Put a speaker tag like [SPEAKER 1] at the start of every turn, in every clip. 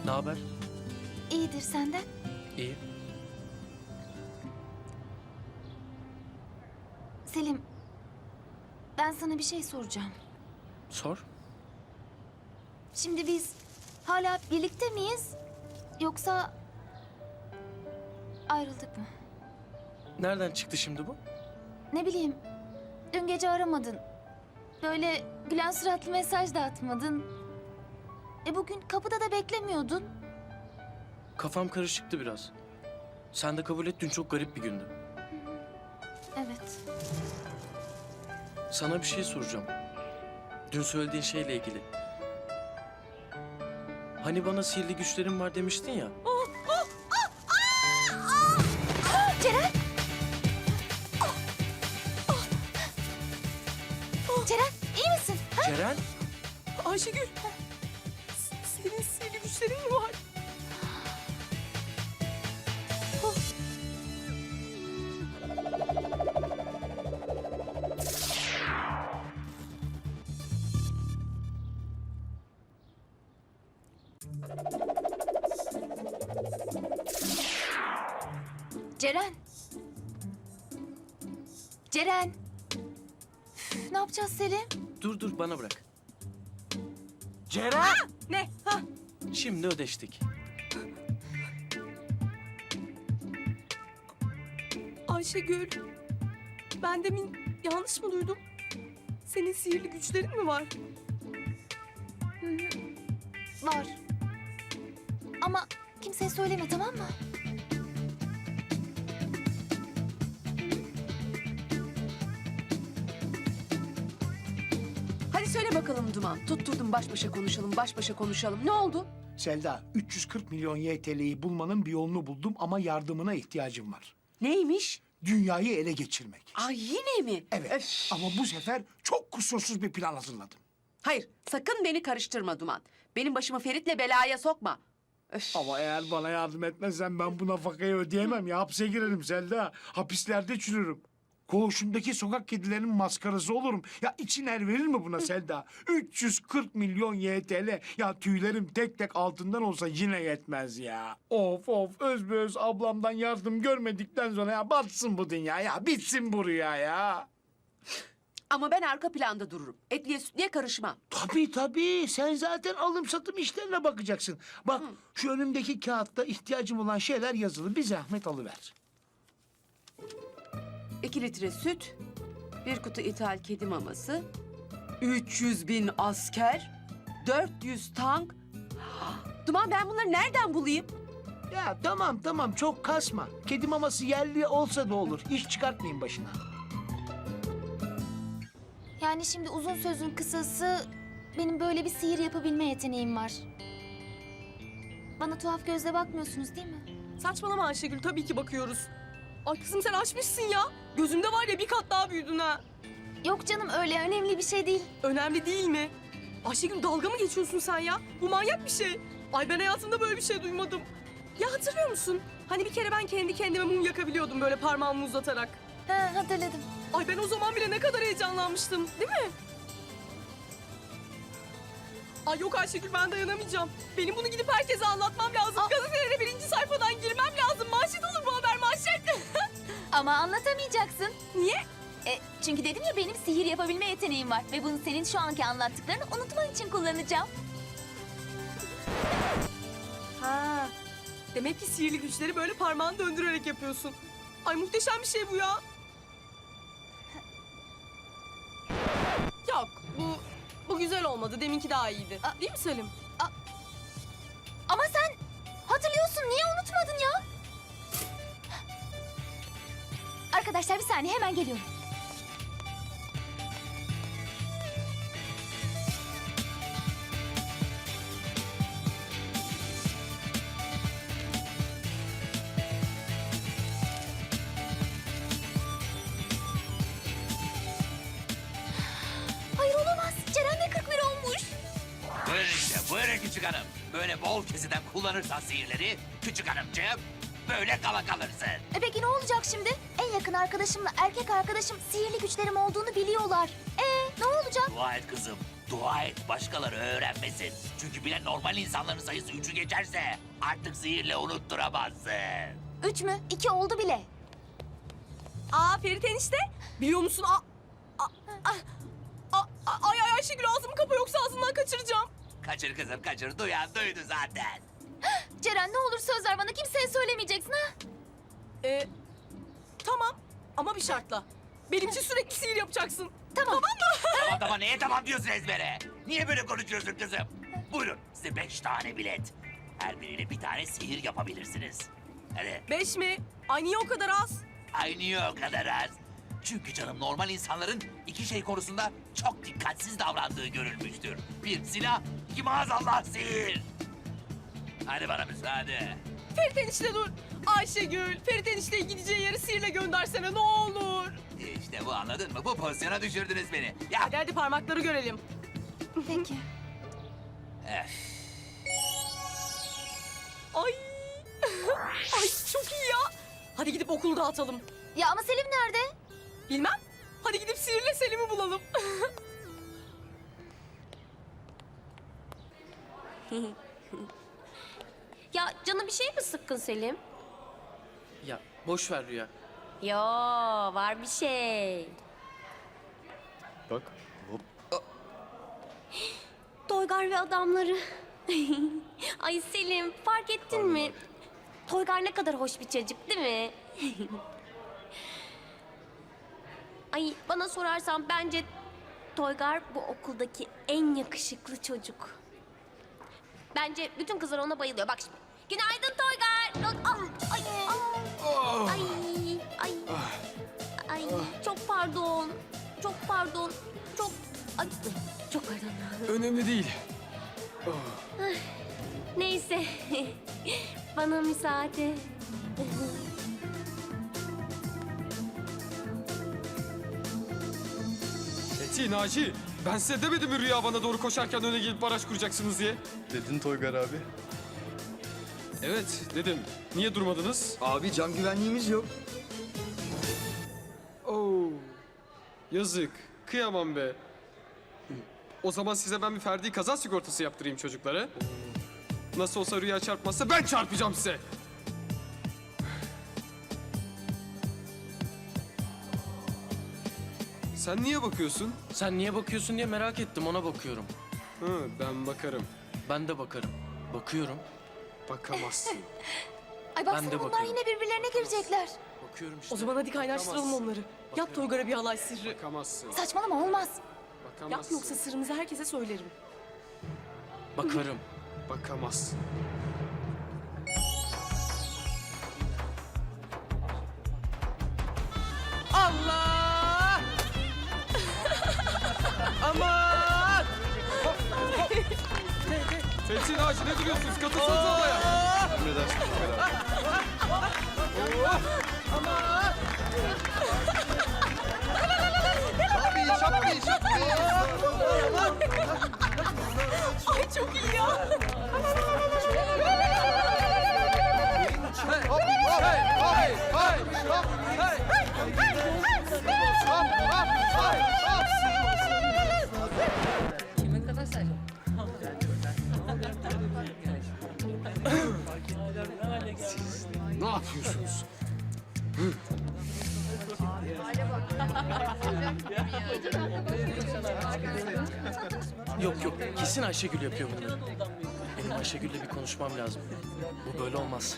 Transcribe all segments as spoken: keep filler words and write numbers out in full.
[SPEAKER 1] Ne haber?
[SPEAKER 2] İyidir senden.
[SPEAKER 1] İyi.
[SPEAKER 2] Selim, ben sana bir şey soracağım.
[SPEAKER 1] Sor.
[SPEAKER 2] Şimdi biz hala birlikte miyiz? Yoksa ayrıldık mı?
[SPEAKER 1] Nereden çıktı şimdi bu?
[SPEAKER 2] Ne bileyim, dün gece aramadın. Böyle gülen suratlı mesaj da atmadın. E bugün kapıda da beklemiyordun.
[SPEAKER 1] Kafam karışıktı biraz. Sen de kabul et, dün çok garip bir gündü.
[SPEAKER 2] Evet.
[SPEAKER 1] Sana bir şey soracağım. Dün söylediğin şeyle ilgili. Hani bana sihirli güçlerim var demiştin ya.
[SPEAKER 2] Ceren! Ceren, iyi misin? Ha?
[SPEAKER 1] Ceren?
[SPEAKER 3] Ayşegül. Senin sihirli güçlerin mi var?
[SPEAKER 2] Ceren! Ceren! Üf, ne yapacağız Selim?
[SPEAKER 1] Dur dur, bana bırak.
[SPEAKER 3] Ceren! Ne? Ha?
[SPEAKER 1] Şimdi ödeştik.
[SPEAKER 3] Ayşegül. Ben demin yanlış mı duydum? Senin sihirli güçlerin mi var?
[SPEAKER 2] Var. Ama kimseye söyleme, tamam mı?
[SPEAKER 4] Hadi söyle bakalım Duman. Tutturdum baş başa konuşalım, baş başa konuşalım. Ne oldu?
[SPEAKER 5] Selda, üç yüz kırk milyon Y T L'yi bulmanın bir yolunu buldum ama yardımına ihtiyacım var.
[SPEAKER 4] Neymiş?
[SPEAKER 5] Dünyayı ele geçirmek.
[SPEAKER 4] Ay yine mi?
[SPEAKER 5] Evet
[SPEAKER 4] Öf.
[SPEAKER 5] ama bu sefer çok kusursuz bir plan hazırladım.
[SPEAKER 4] Hayır, sakın beni karıştırma Duman. Benim başımı Ferit'le belaya sokma. Öf.
[SPEAKER 5] Ama eğer bana yardım etmezsen ben bu nafakayı ödeyemem ya. Hapse girerim Selda. Hapislerde çürürüm. Koğuşumdaki sokak kedilerinin maskarası olurum. Ya için er verir mi buna Selda? üç yüz kırk milyon Y T L. Ya tüylerim tek tek altından olsa yine yetmez ya. Of of özbeöz ablamdan yardım görmedikten sonra ya batsın bu dünya ya. Bitsin bu rüya ya.
[SPEAKER 4] Ama ben arka planda dururum. Etliye sütliye karışmam.
[SPEAKER 5] Tabii tabii. Sen zaten alım satım işlerine bakacaksın. Bak şu önümdeki kağıtta ihtiyacım olan şeyler yazılı. Bir zahmet alıver.
[SPEAKER 4] İki litre süt, bir kutu ithal kedi maması, üç yüz bin asker, dört yüz tank. Duman ben bunları nereden bulayım?
[SPEAKER 5] Ya tamam tamam çok kasma. Kedi maması yerli olsa da olur. İş çıkartmayın başına.
[SPEAKER 2] Yani şimdi uzun sözün kısası, benim böyle bir sihir yapabilme yeteneğim var. Bana tuhaf gözle bakmıyorsunuz değil mi?
[SPEAKER 3] Saçmalama Ayşegül, tabii ki bakıyoruz. Ay kızım sen açmışsın ya. Gözümde var ya bir kat daha büyüdün ha.
[SPEAKER 2] Yok canım, öyle önemli bir şey değil.
[SPEAKER 3] Önemli değil mi? Ayşegül dalga mı geçiyorsun sen ya? Bu manyak bir şey. Ay ben hayatımda böyle bir şey duymadım. Ya hatırlıyor musun? Hani bir kere ben kendi kendime mum yakabiliyordum böyle parmağımı uzatarak.
[SPEAKER 2] Ha, hatırladım.
[SPEAKER 3] Ay ben o zaman bile ne kadar heyecanlanmıştım, değil mi? Ay yok Ayşegül ben dayanamayacağım. Benim bunu gidip herkese anlatmam lazım. Gazetelere birinci sayfadan girmem lazım. Manşet olur bu haber, manşet.
[SPEAKER 2] Ama anlatamayacaksın.
[SPEAKER 3] Niye?
[SPEAKER 2] E, çünkü dedim ya, benim sihir yapabilme yeteneğim var. Ve bunu senin şu anki anlattıklarını unutman için kullanacağım.
[SPEAKER 3] Ha. Demek ki sihirli güçleri böyle parmağını döndürerek yapıyorsun. Ay muhteşem bir şey bu ya. Yok bu bu güzel olmadı. Deminki daha iyiydi.
[SPEAKER 2] Aa.
[SPEAKER 3] Değil mi Selim?
[SPEAKER 2] Ama sen hatırlıyorsun, niye unutmadın ya? Arkadaşlar bir saniye, hemen geliyorum. Hayır olamaz, Ceren de kırk bir olmuş.
[SPEAKER 6] Buyurun işte, buyurun küçük hanım. Böyle bol keseden kullanırsan sihirleri, küçük hanımcığım, böyle kala kalırsın.
[SPEAKER 2] E peki ne olacak şimdi? En yakın arkadaşımla erkek arkadaşım sihirli güçlerim olduğunu biliyorlar. E ne olacak?
[SPEAKER 6] Dua dua et kızım. Dua et başkaları öğrenmesin. Çünkü bile normal insanların sayısı üçü geçerse artık sihirle unutturamazsın.
[SPEAKER 2] Üç mü? İki oldu bile.
[SPEAKER 3] Aa Ferit enişte. Biliyor musun? Aa, aa, aa, aa, aa, ay ay Ayşegül ağzımı kapa yoksa ağzından kaçıracağım.
[SPEAKER 6] Kaçır kızım kaçır. Duyan duydu zaten.
[SPEAKER 2] Ceren ne olur söz ver bana kimseye söylemeyeceksin ha.
[SPEAKER 3] Ee, tamam ama bir şartla. Benim için sürekli sihir yapacaksın.
[SPEAKER 2] Tamam.
[SPEAKER 6] Tamam tamam neye tamam diyorsun ezbere? Niye böyle konuşuyorsun kızım? Buyurun size beş tane bilet. Her biriyle bir tane sihir yapabilirsiniz. Hadi.
[SPEAKER 3] Beş mi? Ay niye o kadar az?
[SPEAKER 6] Ay niye o kadar az? Çünkü canım normal insanların iki şey konusunda çok dikkatsiz davrandığı görülmüştür. Bir silah, iki maazallah sihir. Hadi bana müsaade.
[SPEAKER 3] Ferit enişte dur. Ayşegül, Ferit enişteyi gideceği yere sihirle göndersene ne olur.
[SPEAKER 6] İşte bu anladın mı? Bu pozisyona düşürdünüz beni. Ya
[SPEAKER 3] Hadi hadi parmakları görelim.
[SPEAKER 2] Peki.
[SPEAKER 6] Öf.
[SPEAKER 3] Ay. Ay çok iyi ya. Hadi gidip okulu dağıtalım.
[SPEAKER 2] Ya ama Selim nerede?
[SPEAKER 3] Bilmem. Hadi gidip sihirle Selim'i bulalım.
[SPEAKER 7] Ya canı bir şey mi sıkkın Selim?
[SPEAKER 1] Ya boş ver Rüya.
[SPEAKER 7] Yo var bir şey.
[SPEAKER 1] Bak. Hop.
[SPEAKER 7] Toygar ve adamları. Ay Selim fark ettin mi? Toygar ne kadar hoş bir çocuk değil mi? Ay bana sorarsan bence Toygar bu okuldaki en yakışıklı çocuk. Bence bütün kızlar ona bayılıyor. Bak şimdi. Günaydın Toygar. Ay, ay, ay, ay, ay, çok pardon. Çok pardon. Çok, ay, çok pardon.
[SPEAKER 8] Önemli değil.
[SPEAKER 7] Neyse. Bana müsaade.
[SPEAKER 8] Eti, Naci, ben size demedim mi Rüya bana doğru koşarken öne gelip baraj kuracaksınız diye?
[SPEAKER 9] Dedin Toygar abi.
[SPEAKER 8] Evet, dedim. Niye durmadınız?
[SPEAKER 9] Abi can güvenliğimiz yok.
[SPEAKER 8] Oo, yazık. Kıyamam be. O zaman size ben bir ferdi kaza sigortası yaptırayım çocuklara. Nasıl olsa Rüya çarpmazsa ben çarpacağım size. Sen niye bakıyorsun?
[SPEAKER 1] Sen niye bakıyorsun diye merak ettim ona bakıyorum.
[SPEAKER 8] Hı, ben bakarım.
[SPEAKER 1] Ben de bakarım. Bakıyorum.
[SPEAKER 8] Bakamazsın.
[SPEAKER 2] Ay
[SPEAKER 1] Ben
[SPEAKER 2] baksana
[SPEAKER 1] de
[SPEAKER 2] bunlar
[SPEAKER 1] bakıyorum.
[SPEAKER 2] yine birbirlerine girecekler.
[SPEAKER 1] Bakıyorum işte.
[SPEAKER 3] O zaman hadi kaynaştıralım
[SPEAKER 8] Bakamazsın.
[SPEAKER 3] onları. Yap Toygar'a bir halay sihri.
[SPEAKER 8] Bakamazsın.
[SPEAKER 2] Saçmalama olmaz.
[SPEAKER 3] Yap
[SPEAKER 8] Bakamazsın.
[SPEAKER 3] yoksa sırrımızı herkese söylerim.
[SPEAKER 1] Bakarım.
[SPEAKER 8] Bakamazsın.
[SPEAKER 10] Allah! Aman!
[SPEAKER 8] Fethi, Naci ne duruyorsunuz? Katılsanıza olaya.
[SPEAKER 9] Emredersin Toygar abi. Şapkayı, şapkayı, şapkayı.
[SPEAKER 3] Ay çok iyi ya.
[SPEAKER 9] Hop, hop, hey, hey, hop, hey. Hop, hop, hey, hop.
[SPEAKER 5] Ne yapıyorsunuz?
[SPEAKER 1] Yok yok kesin Ayşegül yapıyor bunları. Benim Ayşegül'le bir konuşmam lazım. Bu böyle olmaz.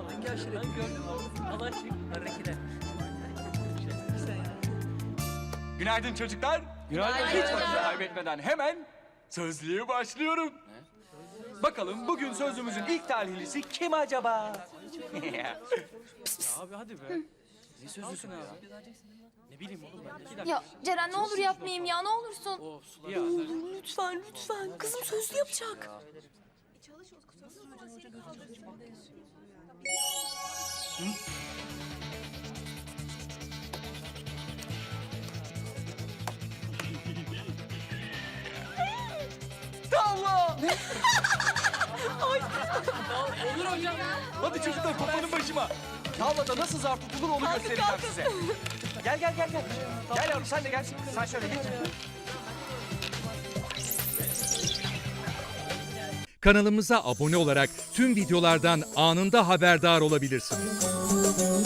[SPEAKER 10] Günaydın çocuklar. Günaydın. Hiç vakit kaybetmeden hemen sözlüğe başlıyorum. Bakalım bugün sözlüğümüzün ilk talihlisi kim acaba?
[SPEAKER 1] Abi hadi be. Ne sözlüsün abi? Ne bileyim oğlum ben de.
[SPEAKER 2] Ya Ceren ne olur yapmayayım ya ne olursun.
[SPEAKER 1] Of sular.
[SPEAKER 3] Lütfen lütfen. Kızım sözlü yapacak.
[SPEAKER 10] Tamam. Olur hocam. Hadi çocuklar toplanın başıma. Tavlada nasıl zarf tutulur onu göstereceğim size. Gel gel gel gel. Gel yavrum sen de gel. Sen şöyle geç.
[SPEAKER 11] Kanalımıza abone olarak tüm videolardan anında haberdar olabilirsiniz.